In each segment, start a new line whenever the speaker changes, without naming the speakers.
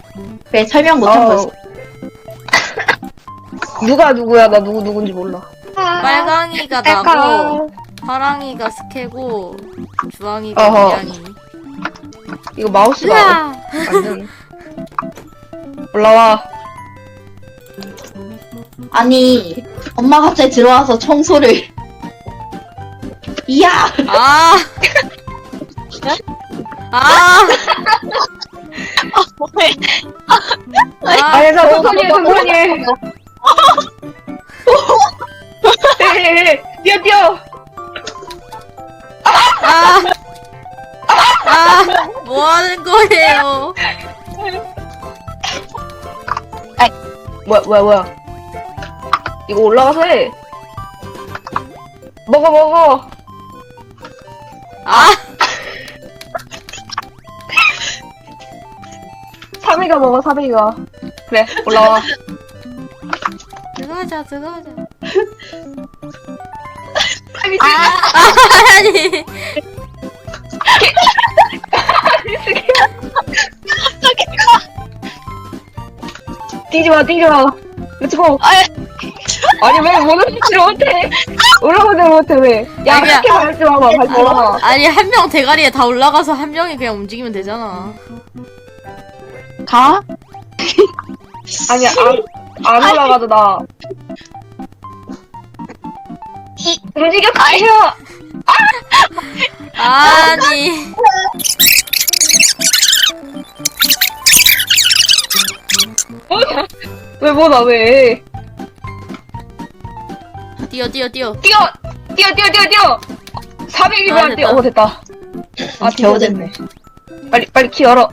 왜 설명 못한 거지?
누가 누구야? 나 누군지 몰라.
빨강이가 나고, 파랑이가 스케고, 주황이가
어허.
고양이.
이거 마우스가
으아!
완전 올라와.
아니, 엄마 갑자기 들어와서 청소를. 이야!
아! 아!
뭐해?
아!
아니, 나 천천히 해, 천천히 해. 뛰어, 뛰어.
아! 아! 뭐 하는 거예요?
뭐야. 이거 올라가서 해. 먹어.
아!
사비가 먹어, 사비가. 그래, 올라와.
들어가자.
아!
아니!
뛰지 마. 렛츠고. 아니, 왜 올라오지를 못해? 올라오지 못해, 왜? 야,
아니야.
그렇게 밟지 마봐.
아니, 한 명 대가리에 다 올라가서 한 명이 그냥 움직이면 되잖아.
가?
아니야, 안 올라가도 나. 움직였어요!
아니.
왜 뭐다, 왜?
뛰어.
뛰어! 400이면
아,
안 뛰어.
됐다.
됐다. 아,
겨우 됐네.
빨리 키 열어.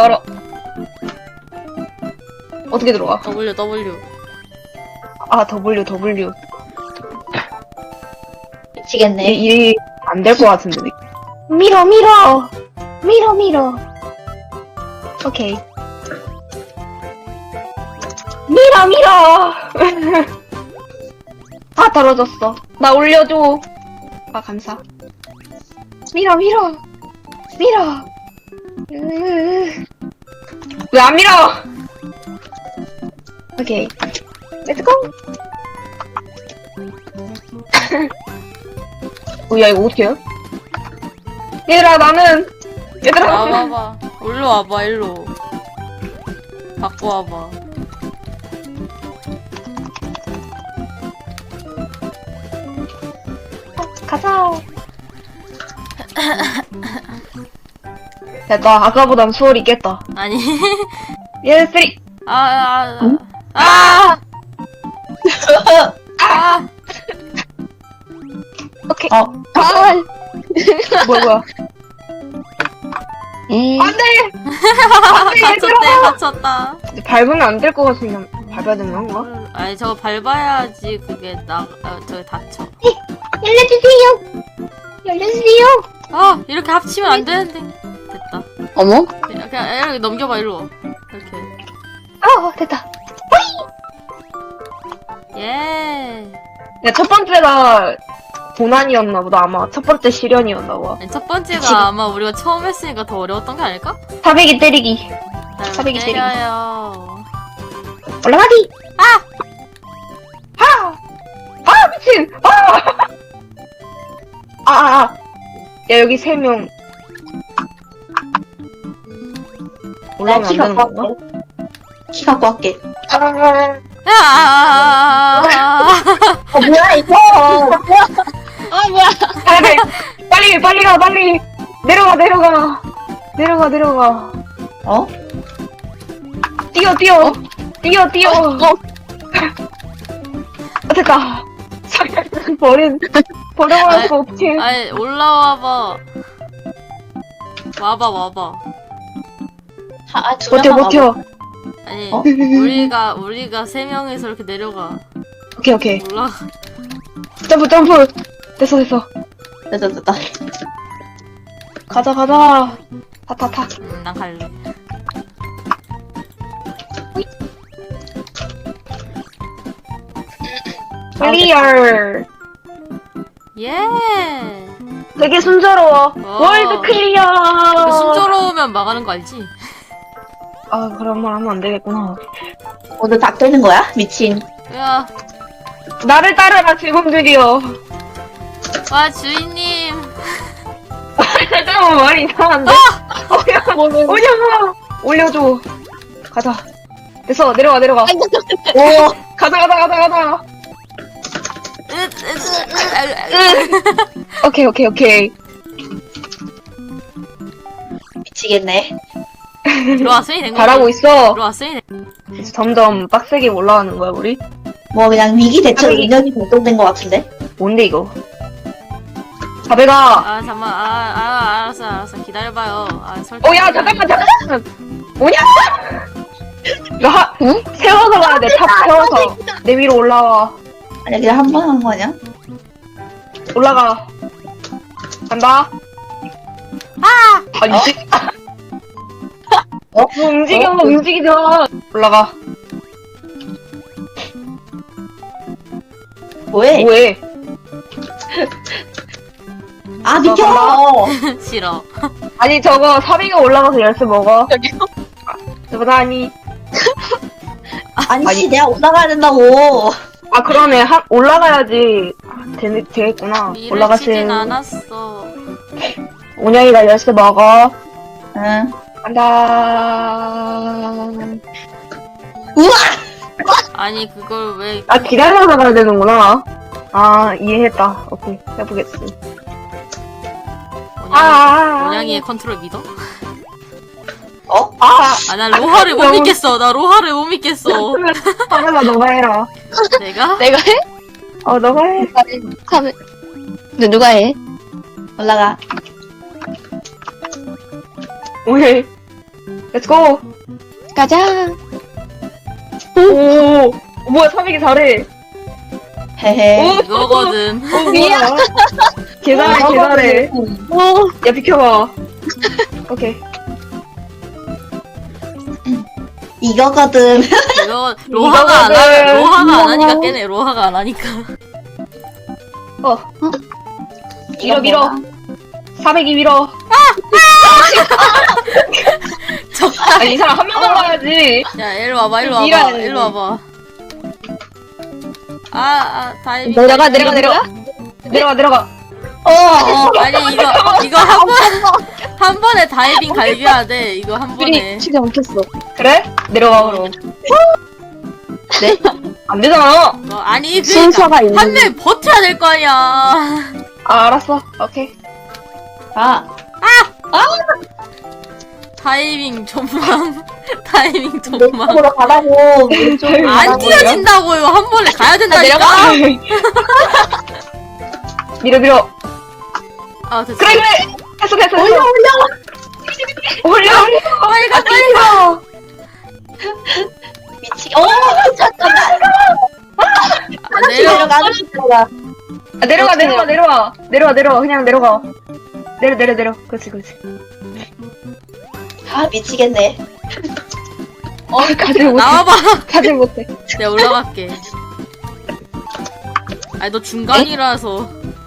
어떻게 들어가?
W.
아, W.
미치겠네.
이 안 될 것 같은데. 밀어. 오케이. 밀어. 아, 떨어졌어. 나 올려줘. 아, 감사. 밀어. 왜 안 밀어? 오케이. 렛츠고. 야, 이거 어떻게 해요? 얘들아,
와봐봐. 일로 와봐, 일로. 갖고 와봐.
가자. 야, 나 아까보단 수월이 있겠다.
아니.
얘 쓰리.
아!
오케이.
아,
뭐야. 안 돼!
갇혔다.
밟으면 안 될 것 같으면 밟아야 되는 건가?
아니, 저거 밟아야지 그게 저기 닫혀.
열려주세요.
아, 이렇게 합치면 안 되는데. 됐다.
어머?
그냥 이렇게 넘겨봐, 일로 와. 이렇게.
됐다.
예.
야, 첫 번째가 고난이었나 보다. 아마 첫 번째 시련이었나 봐.
아니, 첫 번째가 아마 우리가 처음 했으니까 더 어려웠던 게 아닐까?
400이 때리기.
날
사백이 때리기.
때려요.
올라가기! 미친! 야, 여기 3명. 올라가면 안
키
되는
갖고
건가?
할게. 키 갖고 할게. 뭐야, 이거? 뭐야.
빨리 가, 빨리! 내려가!
어?
뛰어! 됐다. 버려버렸어, 어떡해.
아니, 올라와봐. 와봐.
두 명만
버텨.
아니,
어?
우리가 3명이서 이렇게 내려가.
오케이.
올라.
점프. 됐어.
됐다.
가자. 타.
난 갈래.
클리어.
예.
되게 순조로워.
어.
월드 클리어.
그 순조로우면 망하는 거 알지?
아, 그런 말 하면 안 되겠구나.
오늘 다 깨는 거야? 미친.
야,
나를 따르라, 질문들이여.
와 주인님.
잠깐만, 말이 이상한데? 올려줘! 올려줘. 가자. 됐어, 내려가.
오.
가자. 오케이.
미치겠네.
들어왔으니 된 거지.
잘하고 있어.
들어왔으니
이제 점점 빡세게 올라가는 거야, 우리?
뭐 그냥 위기 대처
아니.
능력이 발동된 것 같은데.
뭔데, 이거? 자배가.
아 잠만. 알았어. 기다려봐요. 설정.
야, 잠깐만. 뭐냐? 응? 세워서 가야 돼, 탑 세워서. 내 위로 올라와.
아니 그냥 한 번 한 거 아니야?
올라가. 간다. 아니,
어?
뭐 움직여,
어?
움직이자. 올라가.
뭐해?
뭐해?
아 비켜!
싫어.
아니, 저거, 사비가 올라가서 열쇠 먹어.
저기요?
저거 아니.
아니
아니.
씨 내가 올라가야 된다고.
아, 그러네. 올라가야지. 되겠구나.
일을
올라가세요.
치진 않았어.
온양이가 열쇠 먹어.
응.
간다.
우와!
아니 그걸 왜?
아, 기다려서 가야 되는구나. 아, 이해했다. 오케이. 해보겠어.
온양이의 컨트롤 믿어?
어?
나 로하를 못 믿겠어. 나 로하를 못 믿겠어.
하면서 너가 해라.
내가?
내가 해?
너가 해.
하면. 근데 누가 해?
올라가.
오케이. 렛츠고.
가자.
오. 뭐야, 사비기 잘해.
헤헤.
이거거든.
미안. 계산해.
오.
야, 비켜봐. 오케이.
이거거든.
이거 로하가 안 하니까 깨네. 로하가 안 하니까.
밀어. 400이 밀어. 이 사람 한 명만 가야지.
야 일로 와봐.
밀어야 돼.
일로 와봐. 다이빙.
내려가.
내려가.
아니 이거 한 번에 다이빙 갈겨야 돼. 이거 한 번에.
진짜 엉켰어.
그래? 내려가, 그럼.
네?
안 되잖아.
아니
순서가 있는.
한 명 버텨야 될 거 아니야.
아, 알았어. 오케이.
아.
다이빙 전망. 다이빙 전망.
왼쪽으로 가라고. 왼쪽으로
안
가라고.
띄어진다고요. 한 번에 가야 된다니까.
밀어.
됐어.
그래. 됐어. 올려.
빨리 가.
미치. 잠깐만.
내려.
내려가.
내려와. 그냥 내려가. 내려. 그렇지.
아 미치겠네.
가지 못해.
나와봐.
가지 못해.
내가 올라갈게. 아니 너 중간이라서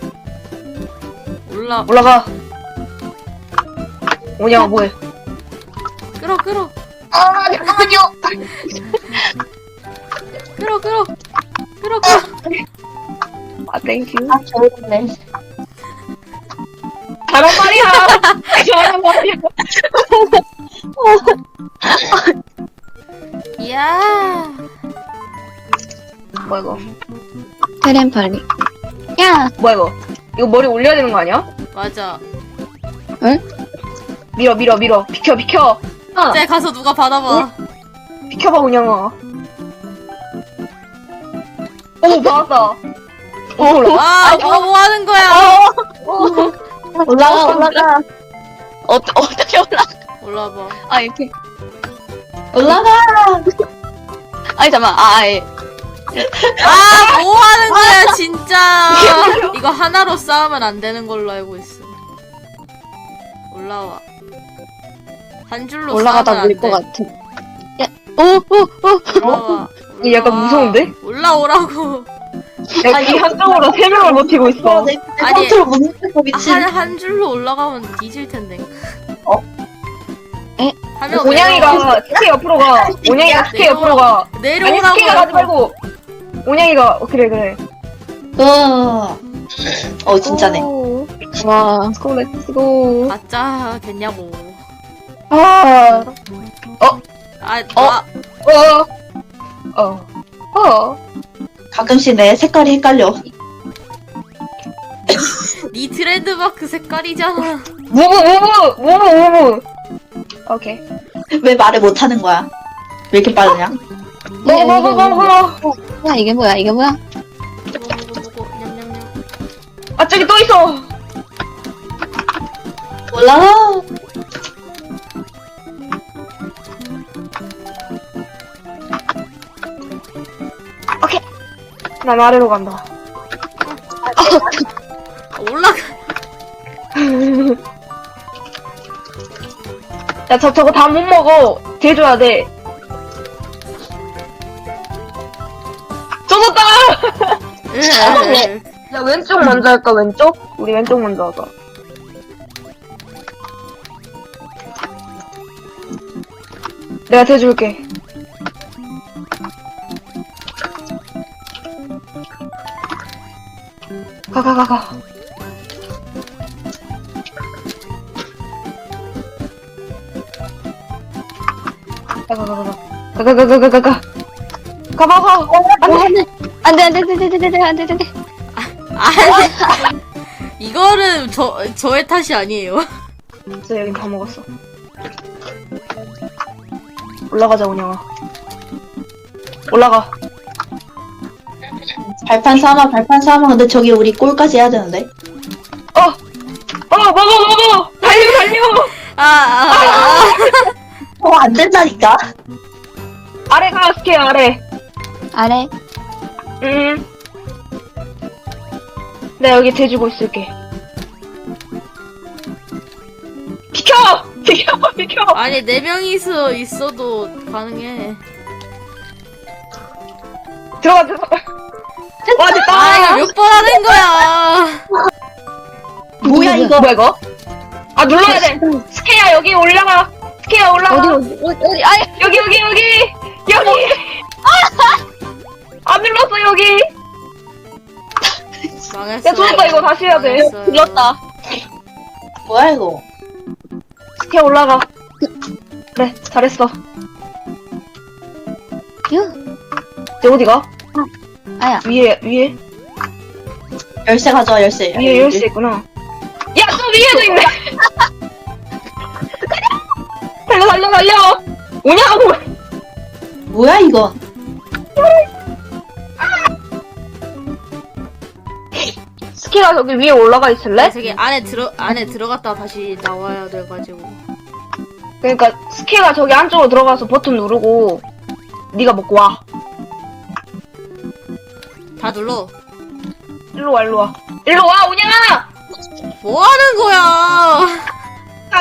올라가. 오냐, 뭐해?
끌어.
잠깐만요.
끌어.
아, 땡큐.
아 저랬네.
잘한 말이야.
이야.
뭐야, 이거?
테렌팔리. 야.
뭐야, 이거? 이거 머리 올려야 되는 거 아니야?
맞아.
밀어. 비켜.
쟤 가서 누가 받아봐.
비켜봐, 운영아. 오, 받았다.
뭐 하는 거야?
올라가.
어떻게 올라가?
올라봐.
아, 이렇게.
올라가.
아니, 잠깐만. 예.
뭐 하는 거야, 진짜. 이거 하나로 싸우면 안 되는 걸로 알고 있어. 올라와. 한 줄로
올라가다
싸우면
밀 것
안 돼.
같아. 야, 오.
올라와.
이게 약간 무서운데?
올라오라고.
야, 이 한쪽으로 3명을 버티고 있어.
내
아니,
컨트롤 못 느끼고 미친.
한 줄로 올라가면 뒤질 텐데. 하면
온양이가 스케 옆으로 가. 온양이가 스케 옆으로 가. 아니 스케가 가지
내려오라고.
말고. 온양이가 그래.
진짜네.
와.
렛츠고 렛츠고.
아짜겠냐고.
아.
가끔씩 내 색깔이 헷갈려.
네 트레이드마크 색깔이잖아.
무브. 오케이.
왜 말을 못하는 거야? 왜 이렇게 빠르냐?
뭐.
이게 뭐야?
냠냠냠.
아 저기 또 있어.
몰라.
난 아래로 간다.
올라가.
야 저거 다 못 먹어. 대줘야 돼. 젖었다. 야 왼쪽 먼저 할까 왼쪽? 우리 왼쪽 먼저 하자. 내가 대줄게. 가. 가. 가봐.
안 돼.
이거는 저의 탓이 아니에요.
진짜 여긴 다 먹었어. 올라가자 온영아. 올라가.
발판 삼아. 근데 저기 우리 골까지 해야 되는데.
먹어. 달려.
안 된다니까.
아래 가 스케 아래.
아래.
내가 여기 대주고 있을게. 비켜.
아니 4명이서 있어도 가능해.
들어가. 와 됐다.
아 이거 몇 번 하는 거야.
뭐야 이거?
뭐야 이거? 아 눌러야 돼. 스케야 여기 올라가. 스케야 올라가.
어디? 아,
여기. 안 눌렀어 여기.
망했어.
야 좋았다 이거 다시 해야 돼.
망했어요.
눌렀다.
뭐야 이거?
스케 올라가. 그래 잘했어. 이제 어디가?
아야.
위에
열쇠 가져와 열쇠.
열쇠 있구나. 야 또 위에도 있네. 달려. 오냐고.
뭐야 이건?
스케가 저기 위에 올라가 있을래?
저기 안에 들어갔다 다시 나와야 돼가지고.
그러니까 스케가 저기 안쪽으로 들어가서 버튼 누르고 네가 먹고 와.
다 눌러.
일로 와 오냐아.
뭐 하는 거야?
가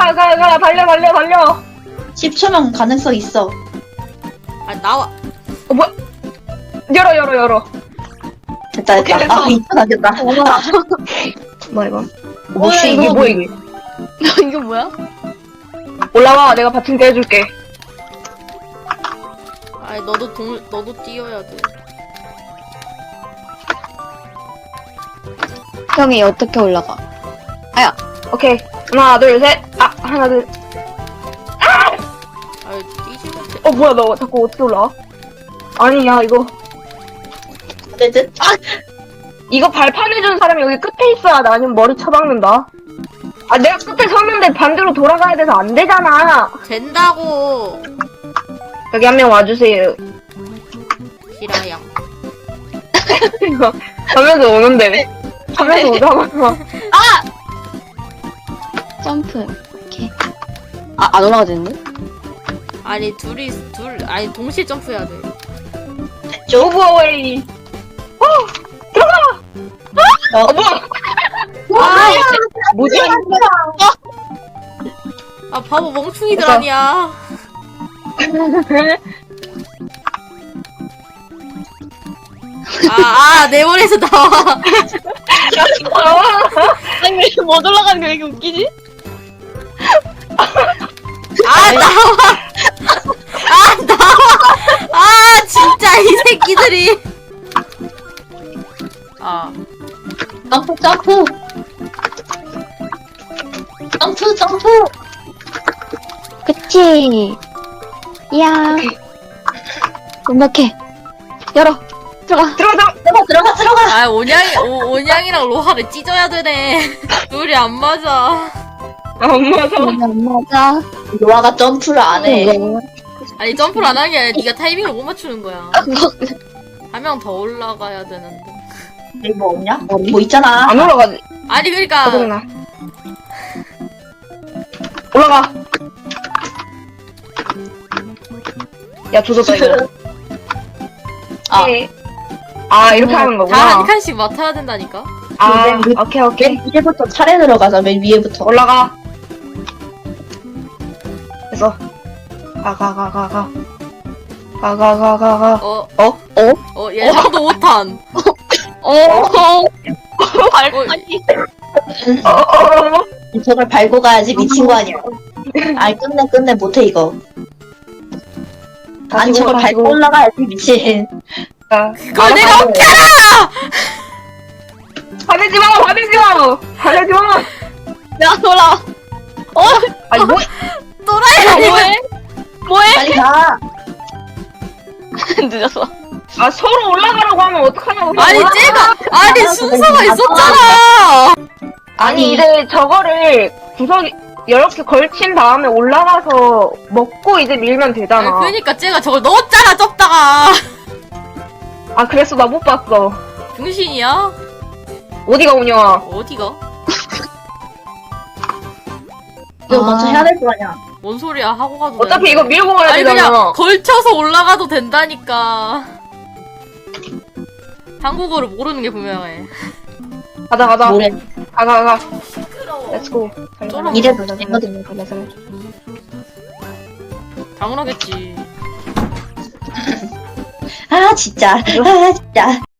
달려.
10초면 가능성 있어.
아 나와.
뭐야? 열어.
됐다.
오케이, 됐어.
아 2초 남겼다.
뭐야 이거?
뭐야,
이게
이거?
뭐야 이게?
이거 뭐야?
올라와 내가 받침 떼줄게.
아니 너도 뛰어야 돼.
형이 어떻게 올라가?
오케이 하나 둘 셋. 하나 둘.
아유 뛰지 못해.
뭐야 너 자꾸 어떻게 올라와? 아니 야 이거
어쨌든
이거 발판 해주는 사람이 여기 끝에 있어야 돼. 아니면 머리 쳐박는다. 내가 끝에 섰는데 반대로 돌아가야 돼서 안 되잖아.
된다고.
여기 한 명 와주세요.
히라양.
이거 하면서 오는데. 하면서 오자마자.
점프. 오케이. 안 올라가지는데?
아니 아니 동시에 점프해야 돼.
됐죠?
오버웨이. 뭐야? 뭐지?
아 바보 멍충이들
됐어.
아니야. 내 머리에서 나와.
아니 왜 못 올라가는 게 왜 이렇게 웃기지?
아 나와. 아 나와. 아 진짜 이 새끼들이. 아
점프 점프 점프 점프.
그치. 이야. 완벽해. 열어. 들어가.
들어가.
아 온양이랑 로하를 찢어야 되네. 둘이 안 맞아.
안 맞아.
안 맞아.
로아가 점프를 안 해.
아니 점프를 안 하는 게 아니라 네가 타이밍을 못 맞추는 거야. 한 명 더 올라가야 되는데.
여기 뭐 없냐? 뭐 있잖아.
안 올라가지.
아니 그러니까
짜증나. 올라가. 야, 조졌다, 이거.
아.
아, 이렇게 하는
다
거구나.
한 칸씩 맡아야 된다니까.
아, 오케이, 오케이.
맨 위에부터 차례 들어가자. 맨 위에부터.
올라가. 됐어. 가.
어?
어?
얘도 못한.
발판이.
저걸 밟고 가야지 미친 거 아니야. 아니 끝내 못해 이거. 아니 저걸 밟고 올라가야지 미친.
그걸 내가 웃겨라!
화내지 마!
야, 돌아.
아니, 뭐,
또라이!
뭐해?
빨리 가.
늦었어.
아, 서로 올라가라고 하면 어떡하냐고.
아니 쟤가 아니 순서가 있었잖아.
아니, 이제 저거를 구석이, 이렇게 걸친 다음에 올라가서 먹고 이제 밀면 되잖아.
그러니까 쟤가 저걸 넣었잖아 접다가.
아, 그래서 나 못 봤어.
중신이야?
어디가 운영아?
어디가?
이거 먼저 해야 될 거 아니야.
뭔 소리야 하고 가도
어차피
되는데.
이거 밀고 가야
아니
되잖아.
그냥 걸쳐서 올라가도 된다니까. 한국어를 모르는 게 분명해.
가자.
뭐래.
가.
시끄러워.
렛츠고.
이래도
달려.
당연하겠지.
아 진짜.